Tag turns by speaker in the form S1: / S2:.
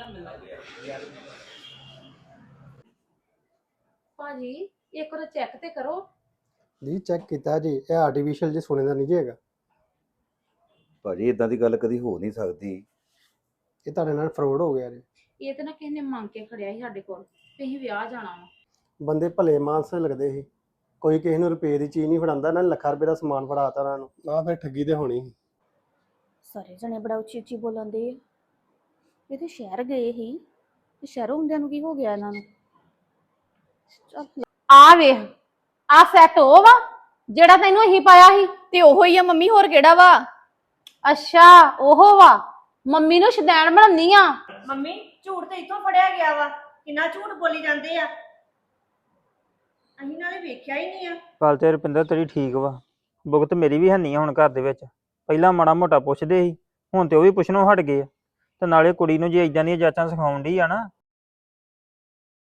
S1: ਭਾਜੀ ਇੱਕ ਵਾਰ ਚੈੱਕ ਤੇ ਕਰੋ।
S2: ਜੀ ਚੈੱਕ ਕੀਤਾ ਜੀ, ਇਹ ਆਰਟੀਫੀਸ਼ੀਅਲ ਜੀ ਸੋਨੇ ਦਾ ਨਹੀਂ ਜੀ ਹੈਗਾ।
S3: ਭਾਜੀ ਇਦਾਂ ਦੀ ਗੱਲ ਕਦੀ ਹੋ ਨਹੀਂ ਸਕਦੀ।
S2: ਇਹ ਤੁਹਾਡੇ ਨਾਲ ਫਰੋਡ ਹੋ ਗਿਆ ਜੀ।
S1: ਇਹ ਤੇ ਨਾ ਕਿਸੇ ਨੇ ਮੰਗ ਕੇ ਖੜਿਆ ਸੀ ਸਾਡੇ ਕੋਲ ਤੇ ਅਸੀਂ ਵਿਆਹ ਜਾਣਾ ਵਾ।
S2: ਬੰਦੇ ਭਲੇ ਮਾਨਸ ਲੱਗਦੇ ਸੀ, ਕੋਈ ਕਿਸੇ ਨੂੰ ਰੁਪਏ ਦੀ ਚੀਜ਼ ਨਹੀਂ ਫੜਾਉਂਦਾ, ਇਹਨਾਂ ਨੇ ਲੱਖਾਂ ਰੁਪਏ ਦਾ ਸਮਾਨ ਫੜਾਤਾ ਇਹਨਾਂ ਨੂੰ। ਨਾ ਫਿਰ ਠੱਗੀ ਤੇ ਹੋਣੀ ਸੀ।
S4: ਸਾਰੇ ਜਣੇ ਬੜਾ ਉੱਚੀ ਉੱਚੀ ਬੋਲਣਦੇ ਆ। ਇਹ ਤੇ ਸ਼ਹਿਰ ਗਏ ਸੀ ਤੇ ਸ਼ਹਿਰੋਂ ਹੁੰਦਿਆਂ ਨੂੰ ਕੀ ਹੋ ਗਿਆ ਇਹਨਾਂ ਨੂੰ। ਚੱਲ
S5: ਆ ਵੇਖ, ਆ ਸੈੱਟ ਉਹ ਵਾ ਜਿਹੜਾ ਤੈਨੂੰ ਅਸੀਂ ਪਾਇਆ ਸੀ।
S4: ਤੇ ਉਹੋ ਹੀ ਆ ਮੰਮੀ, ਹੋਰ ਕਿਹੜਾ ਵਾ?
S5: ਅੱਛਾ ਉਹ ਵਾ। ਮੰਮੀ ਨੂੰ ਸ਼ਦੈਣ ਬਣਾਉਣੀ ਆ।
S6: ਮੰਮੀ ਝੂਠ ਤੇ ਇੱਥੋਂ ਫੜਿਆ ਗਿਆ ਵਾ, ਕਿੰਨਾ ਝੂਠ ਬੋਲੀ ਜਾਂਦੇ ਆ। ਅਸੀਂ ਨਾਲੇ ਵੇਖਿਆ ਹੀ ਨਹੀਂ ਆ।
S7: ਗੱਲ ਤੇ ਰੁਪਿੰਦਰ ਤੇਰੀ ਠੀਕ ਵਾ, ਭੁਗਤ ਮੇਰੀ ਵੀ ਹੈਨੀ ਆ ਹੁਣ ਘਰ ਦੇ ਵਿੱਚ। ਪਹਿਲਾਂ ਮਾੜਾ ਮੋਟਾ ਪੁੱਛਦੇ ਸੀ, ਹੁਣ ਤੇ ਉਹ ਵੀ ਪੁੱਛਣੋਂ ਹਟ ਗਏ ਆ। ਤੇ ਨਾਲੇ ਕੁੜੀ ਨੂੰ ਜੇ ਇਦਾਂ ਦੀਆਂ ਜਾਚਾਂ ਸਿਖਾਉਣ ਡਈ ਆ ਨਾ,